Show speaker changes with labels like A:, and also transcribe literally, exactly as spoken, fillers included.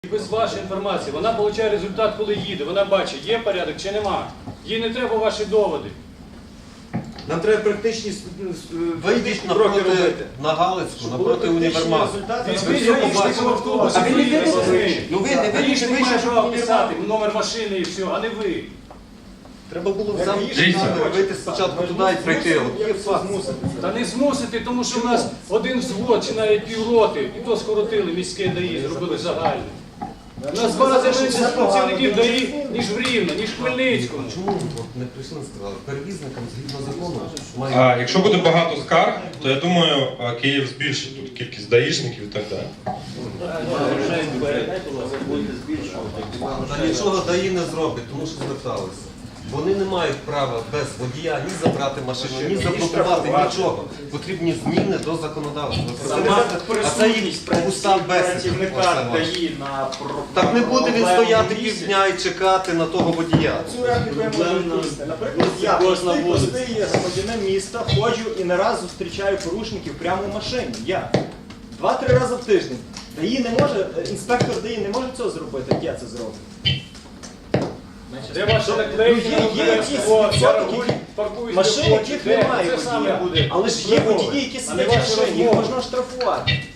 A: Без вашої інформації, вона отримує результат, коли їде, вона бачить, є порядок чи нема. Їй не треба ваші доводи.
B: Нам треба практичні
C: Вийдіть
B: кроки
C: напроти,
B: робити.
C: на Галицьку, напроти універмагу.
A: Візьміть гаїшник в автобусі,
B: А ви не
A: приїдете
B: вийшли?
A: з ним.
B: Ну ви не
A: Гаїшник
B: вийшли,
A: має
B: щоб
A: право
B: не
A: писати номер машини і все, а не ви.
C: Треба було в замку
D: Дивіться.
C: вийти спочатку туди і прийти. От є факт.
A: Та не змусити, тому що в нас один взвод чи навіть півроти, і то скоротили міське ДАІ, зробили загальне. У нас два рази менше працівників ДАІ, ніж в Рівне, ніж в Хмельницькому.
C: Чому от не прийшли, не сказали? Перевізникам згідно закону має...
D: А якщо буде багато скарг, то я думаю, а, Київ збільшить тут кількість даїшників і так далі.
C: Та нічого ДАІ не зробить, тому що зверталися. Вони не мають права без водія ні забрати машину, ні заблокувати, нічого. Потрібні зміни до законодавства. А це їх пуста бесіда. Так не буде він стояти півдня і чекати на того водія.
E: Цю репліку я можу відповісти. Наприклад, я простий, простий громадянин міста, ходжу і не раз зустрічаю порушників прямо в машині. Я. Два-три рази в тиждень. ДАІ не може, інспектор ДАІ не може цього зробити, як я це зроблю.
A: Де ваші наклейки?
E: Ну, є- є якісь відсотки,
A: паркуються
E: Машини, яких немає
A: це саме
E: водія.
A: буде.
E: Але ж є
A: вимоги,
E: водії, які
A: а не
E: сидять в
A: ваші
E: машині, їх
A: розмови.
E: можна штрафувати.